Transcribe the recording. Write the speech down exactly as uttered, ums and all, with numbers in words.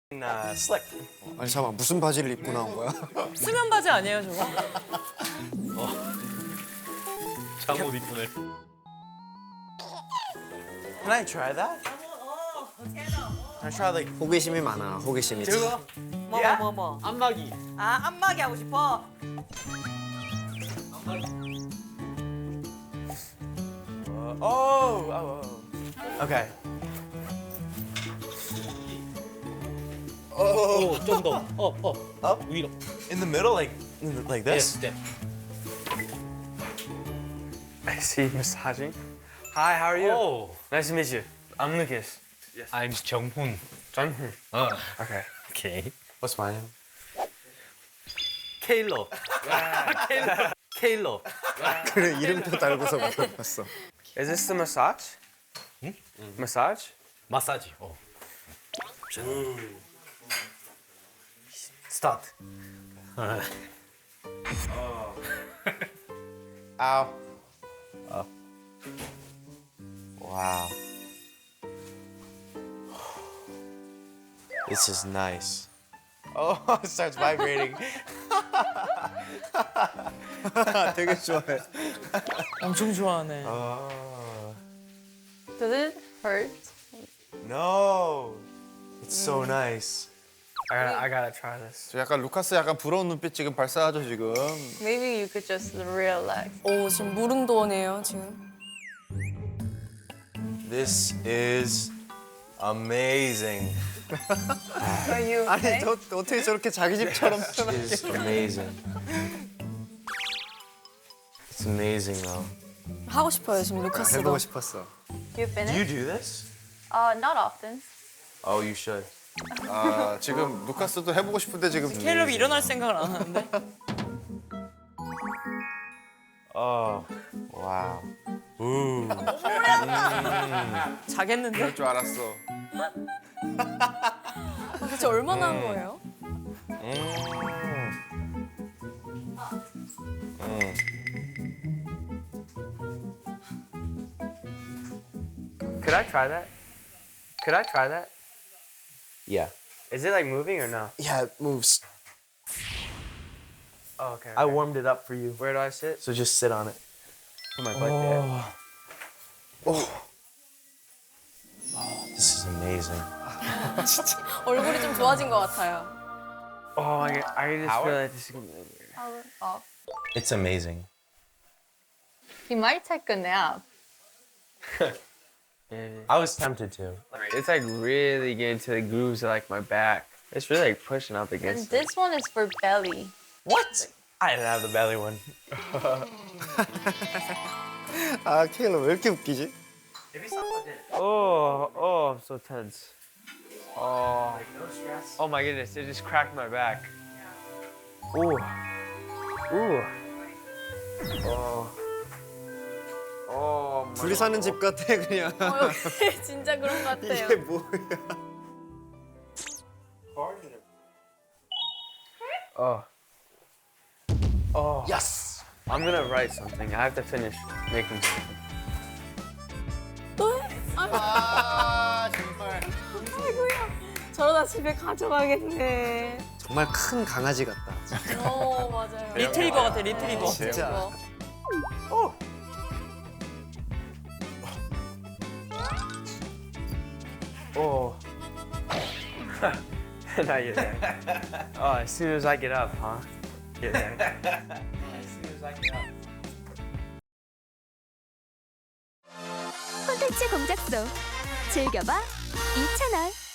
uh, slick. 아니 잠깐 무슨 바지를 입고 나온 거야? 수면 바지 아니에요, 저거? 잠옷 입고네. Can I try that? Can I try like 호기심이 많아. 호기심이. 저거? 뭐, Yeah? 뭐, 뭐, 뭐. 안마기. 아, 안마기 하고 싶어? Uh, oh, oh, oh. Okay. 오, 좀 더. 어, 어. Up 위로. in the middle, like like this. 네, 네. I see you massaging. Hi, how are you? 오. Nice to meet you. I'm Lucas. I'm 정훈. John. 어. Okay. 오케이. What's my name? 케일러. 케일러. 케일러. 그래 이름도 달고서 물어봤어. Is this the massage? 응? Massage? 마사지. 어. 스타트. Ow. Oh. Wow. This is nice. Oh, it starts vibrating. 되게 좋아해. 엄청 좋아하네. Oh. Does it hurt? No. It's so nice. I gotta, I gotta try this. 저 약간 루카스 약간 부러운 눈빛 지금 발사하죠 지금. Maybe you could just relax. 오, 지금 무릉도원이에요, 지금. This is amazing. Are you 아니 okay? 저 어떻게 저렇게 자기 집처럼 It 편하게. is amazing. It's amazing though. 하고 싶어요, 지금 루카스도. 해보고 싶었어. You Do finished? you do this? Uh, not often. Oh, you should. 아 지금 루카스도 해보고 싶은데 지금. 캘럽이 일어날 생각을 안 하는데? Oh, wow. Ooh. 자겠는데? 그럴 줄 알았어. 도대체 얼마나 한 거예요? Could I try that? Could I try that? Yeah. Is it like moving or no? Yeah, it moves. Oh, okay. I okay. warmed it up for you. Where do I sit? So just sit on it. Put my butt there. Oh. Oh, this is amazing. 얼굴이 좀 좋아진 것 같아요. Oh, I, I just Power? feel like this is gonna be weird. Power off. It's amazing. You might take a nap. Yeah. I was tempted to. It's like really getting to the grooves of like my back. It's really like pushing up And against it. this one is for belly. What? I didn't have the belly one. 아 케일러 왜 이렇게 웃기지? Oh, oh, I'm so tense. Oh, oh my goodness, it just cracked my back. Ooh, ooh. Oh, oh my. 둘이 사는 집 같아 그냥. 어, 여기 진짜 그런 것 같아요. 이게 뭐야? Oh. Oh. Yes. I'm gonna write something. I have to finish making something. 또 해? 아이고, 아 정말. 아이고야. 저러다 집에 가져가겠네. 정말 큰 강아지 같다. 어, 맞아요. 리트리버 같아, 리트리버. 진짜. Oh. Not yet. There. Oh, as soon as I get up, huh? Get there. As soon as I get up. 콘텐츠 공작소 즐겨봐 이 채널.